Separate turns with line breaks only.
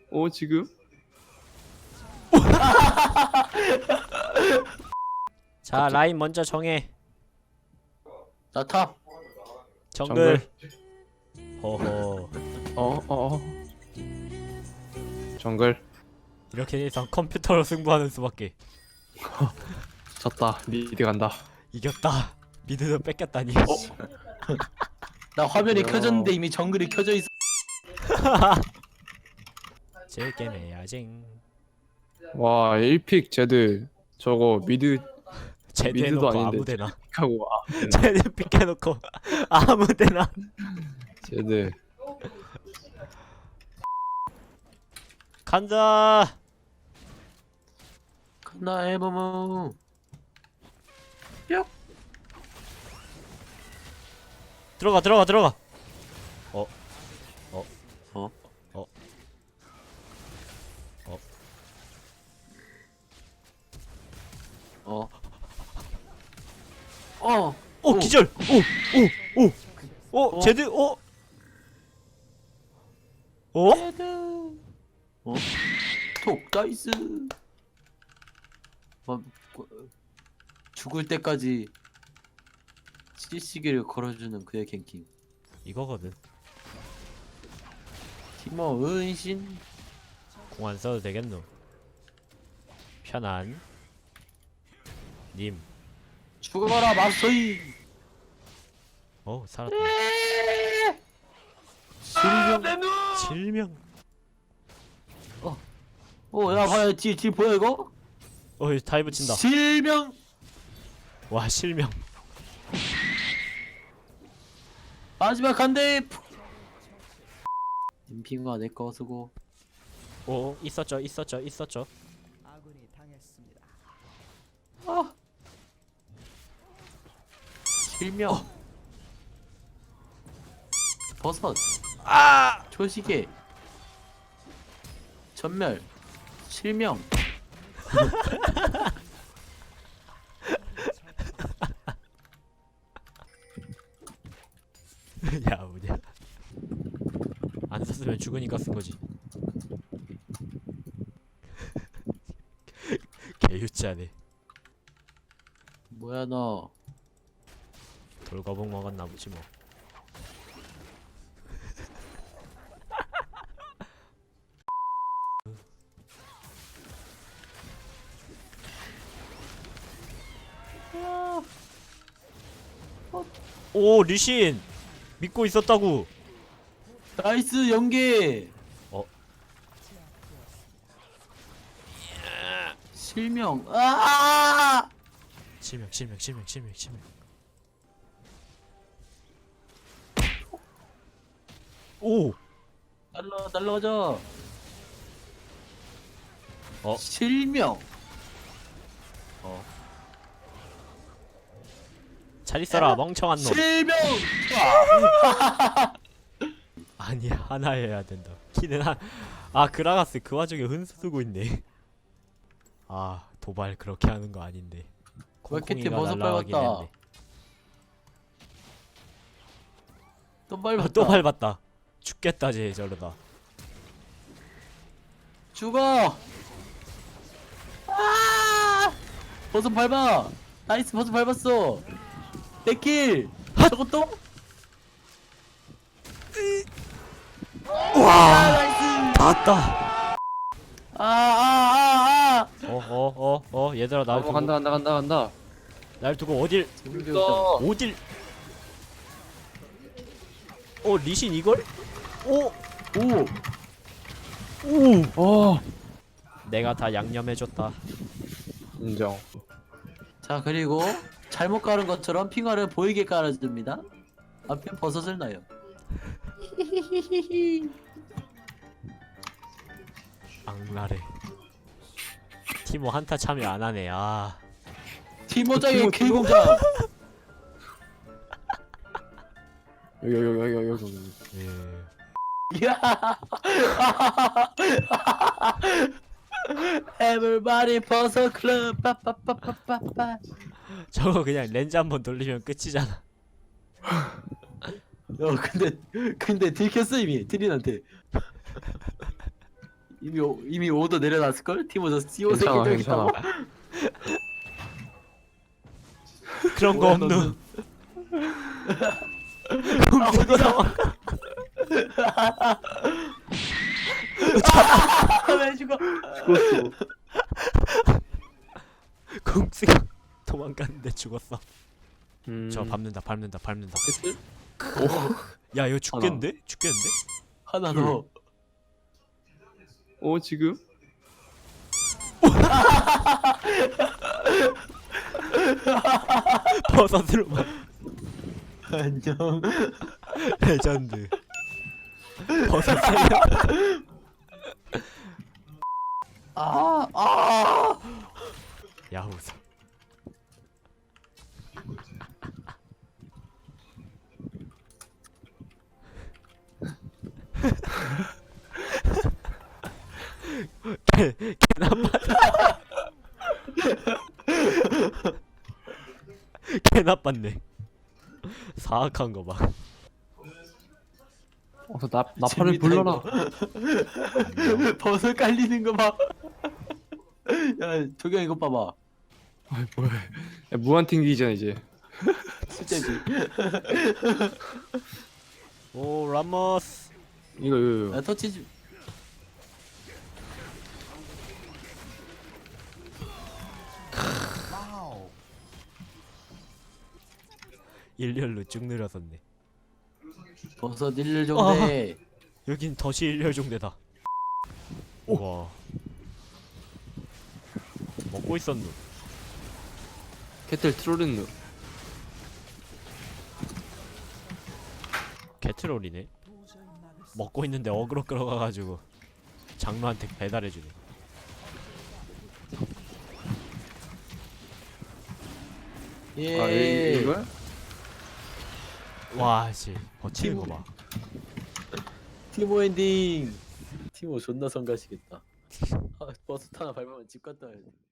지금?
자 라인 먼저 정해.
나 탑.
정글. 허허.
정글.
이렇게 돼서 컴퓨터로 승부하는 수밖에.
졌다. 미드 간다.
이겼다. 미드도 뺏겼다니.
나 화면이
어.
켜졌는데 이미 정글이 켜져 있어.
즐겜 해야지.
와 1픽 제드 저거 미드
제대놓고
아닌데
아무데나.
하고
제대 픽해놓고 아무데나.
제드.
간다.
나 해보모.
들어가. 기절. 제드.
톡 나이스. 죽을 때까지 CC기를 걸어주는 그의 갱킹.
이거거든.
티모 은신.
공 안 써도 되겠노. 편안. 님.
죽어라 마스터이.
살았다. 실명.
야 봐요 뒤 보여 이거?
다이브 친다.
실명.
와 실명.
마지막 한대. 임핑과 내거 쓰고.
있었죠.
아군이 당했습니다.
실명. 버섯. 초시계. 전멸. 실명.
야 뭐냐. 안 썼으면 죽으니까 쓴 거지. 개유치하네.
뭐야 너?
돌거북 먹었나 보지 뭐. 오 리신 믿고 있었다고.
나이스 연계. 실명.
실명. 오.
날라가자. 실명.
잘 있어라 멍청한 놈.
실명.
아니 하나 해야 된다. 키는 그라가스 그 와중에 흔수 쓰고 있네. 도발 그렇게 하는 거 아닌데.
마켓에
콩콩이가
버섯
날라가긴
밟았다.
했네.
또 밟았다.
또 밟았다. 죽겠다 쟤 저러다.
죽어. 버섯 밟아. 나이스 버섯 밟았어. 내킬. 저것도? 나이스.
닿았다. 얘들아 날 두고
간다.
날 두고 어딜 리신 이걸?
오.
내가 다 양념해줬다.
인정.
자 그리고 잘못 깔은 것처럼 핑화를 보이게 깔아줍니다. 앞에 버섯을 놔요.
악랄해. 티모 한타 참여 안 하네.
티모장의 K공장.
여기.
예.
Everybody 버섯 클럽 빠빠빠빠빠빠.
저거 그냥 렌즈 한번 돌리면 끝이잖아.
근데 들켰어 이미 트린한테. 이미 오더 내려놨을 걸? 티모 저 CO
괜찮아
새끼
괜찮아.
그런 거
뭐야,
없누.
너는?
공쓰고 나와.
왜 죽어?
죽었어.
공쓰고 도망갔는데 죽었어. 저
음.
밟는다.
됐을?
야 이거 죽겠는데?
하나 더.
지금?
버섯으로만.
안녕.
레전드. 버섯 살려.
아.
야후사. 개 나빴다. 개 나빴네. 사악한 거 봐.
나팔을
재밌다,
불러라.
버섯 깔리는 거 봐. 야, 조경 이거 봐봐.
아이 뭐야. 야, 무한 튕기잖아 이제.
실제지.
오 라모스.
이거.
야, 터치 좀.
일렬로 쭉 늘어섰네.
버섯 일렬 정대.
여긴 덫이 일렬 종대다. 우와. 먹고 있었누.
캐틀 트롤린누.
개트롤이네. 먹고 있는데 어그로 끌어가가지고 장로한테 배달해주네.
예.
이거야?
와 씨. 버티는 거 봐.
티모 엔딩. 티모 존나 성가시겠다. 아, 버섯 하나 밟으면 집 갔다 와야 돼.